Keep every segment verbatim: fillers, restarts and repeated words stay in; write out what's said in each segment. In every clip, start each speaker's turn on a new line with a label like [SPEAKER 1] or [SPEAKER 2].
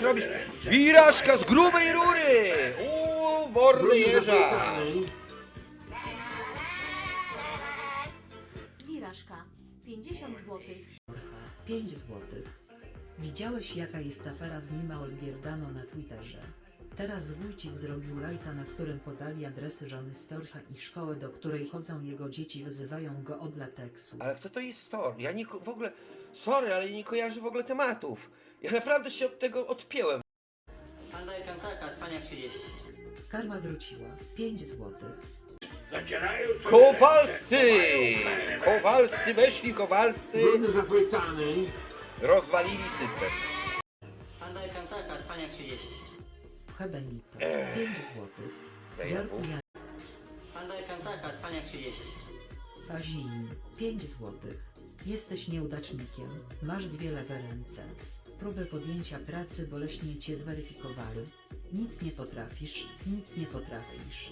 [SPEAKER 1] zrobisz? Wirażka z grubej rury! Uuu, mordy jeża!
[SPEAKER 2] Wirażka, pięćdziesiąt złotych.
[SPEAKER 3] pięć złotych. Widziałeś, jaka jest afera z Nima Olgierdano na Twitterze? Teraz wójcik zrobił lajta, na którym podali adresy żony Storcha i szkołę, do której chodzą jego dzieci, wyzywają go od lateksu.
[SPEAKER 1] Ale kto to jest Stor? Ja nie ko- w ogóle... Sorry, ale nie kojarzę w ogóle tematów. Ja naprawdę się od tego odpięłem.
[SPEAKER 4] Panda i piątaka, spania trzydzieści.
[SPEAKER 3] Karma wróciła. pięć złotych.
[SPEAKER 1] Kowalscy! Kowalscy weszli, Kowalscy rozwalili system.
[SPEAKER 4] Panda i piątaka, spania trzydzieści.
[SPEAKER 3] Hebenito. pięć złotych.
[SPEAKER 1] Daj
[SPEAKER 3] Jarku
[SPEAKER 1] na pół.
[SPEAKER 3] Jan.
[SPEAKER 4] Panda i piątaka, spania trzydzieści.
[SPEAKER 3] Fazini. pięć złotych. Jesteś nieudacznikiem. Masz dwie lewe ręce. Próbę podjęcia pracy boleśnie cię zweryfikowali. Nic nie potrafisz. Nic nie potrafisz.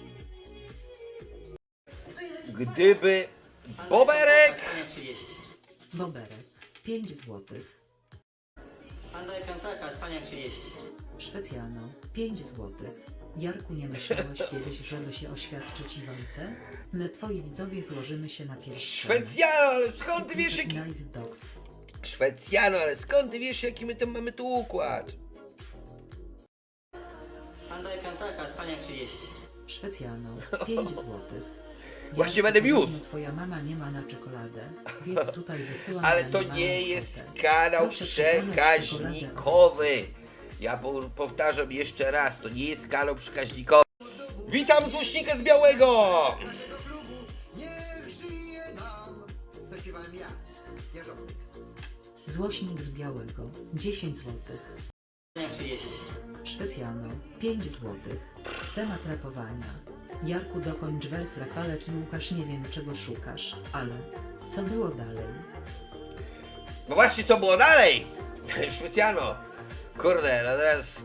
[SPEAKER 1] Gdyby...
[SPEAKER 4] Panda i
[SPEAKER 1] Boberek!
[SPEAKER 4] piątaka, spania trzydzieści.
[SPEAKER 3] Boberek. pięć złotych.
[SPEAKER 4] Panda i piątaka, spania trzydzieści.
[SPEAKER 3] Szwecjano. pięć złotych. Jarku, nie myślałeś kiedyś, żeby się oświadczyć Iwonce? My twoi widzowie złożymy się na pierwszy.
[SPEAKER 1] Szwecjano, ale skąd ty wiesz jaki...
[SPEAKER 3] Nice dogs.
[SPEAKER 1] Szwecjano, ale skąd ty wiesz jaki my tam mamy tu układ?
[SPEAKER 4] Panda i piątaka, spania trzydzieści.
[SPEAKER 3] Szwecjano. pięć złotych.
[SPEAKER 1] Właśnie będę wiózł.
[SPEAKER 3] Twoja mama nie ma na czekoladę, więc tutaj wysyłam.
[SPEAKER 1] Ale
[SPEAKER 3] na
[SPEAKER 1] to
[SPEAKER 3] małą
[SPEAKER 1] nie jest
[SPEAKER 3] kwotę.
[SPEAKER 1] kanał
[SPEAKER 3] Proszę przekazać
[SPEAKER 1] przekaźnikowy. Ja po, powtarzam jeszcze raz, to nie jest kanał przekaźnikowy. Witam złośnika z Białego!
[SPEAKER 3] Złośnik z Białego. dziesięć złotych.
[SPEAKER 4] Spania trzydzieści.
[SPEAKER 3] Szwecjano. pięć złotych. Temat rapowania. Jarku, dokończ wers. Rafalek i Łukasz, nie wiem czego szukasz, ale co było dalej?
[SPEAKER 1] No właśnie, co było dalej? Szwecjano. Kurde, no teraz...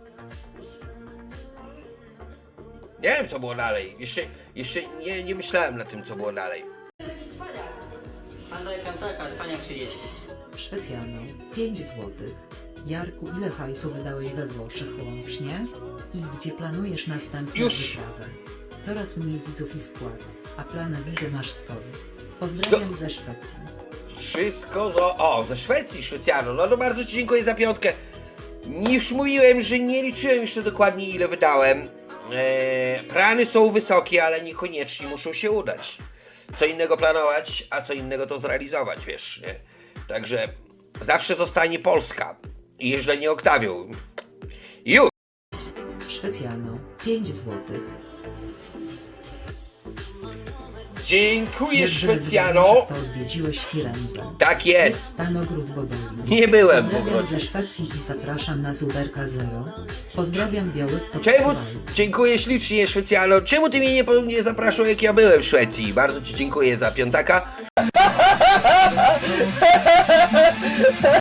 [SPEAKER 1] Nie wiem, co było dalej. Jeszcze, jeszcze nie, nie myślałem nad tym, co było dalej.
[SPEAKER 4] Panda i piątaka, spania trzydzieści.
[SPEAKER 3] Szwecjano. pięć złotych. Jarku, ile hajsu wydałeś we Włoszech łącznie? I gdzie planujesz następną
[SPEAKER 1] Już.
[SPEAKER 3] wyprawę? Coraz mniej widzów i wkładów, a plany widzę masz swoje. Pozdrawiam ze Szwecji.
[SPEAKER 1] Wszystko zo... O, ze Szwecji, Szwecjano. No to bardzo ci dziękuję za piątkę. Już mówiłem, że nie liczyłem jeszcze dokładnie, ile wydałem. Eee, plany są wysokie, ale niekoniecznie muszą się udać. Co innego planować, a co innego to zrealizować, wiesz, nie? Także zawsze zostanie Polska. I jeżdżenie Oktawią. Już!
[SPEAKER 3] Szwecjano. pięć złotych.
[SPEAKER 1] Dziękuję,
[SPEAKER 3] Jak
[SPEAKER 1] Szwecjano.
[SPEAKER 3] to odwiedziłeś Firenzę.
[SPEAKER 1] Tak jest.
[SPEAKER 3] Jest tam ogród Bodoli.
[SPEAKER 1] Nie byłem po
[SPEAKER 3] Pozdrawiam
[SPEAKER 1] prostu.
[SPEAKER 3] ze Szwecji i zapraszam na Zuberka Zero. Pozdrawiam Białystok.
[SPEAKER 1] Czemu?
[SPEAKER 3] Słuchaj.
[SPEAKER 1] Dziękuję ślicznie, Szwecjano. Czemu ty mnie nie, po- nie zapraszał, jak ja byłem w Szwecji? Bardzo ci dziękuję za piątaka.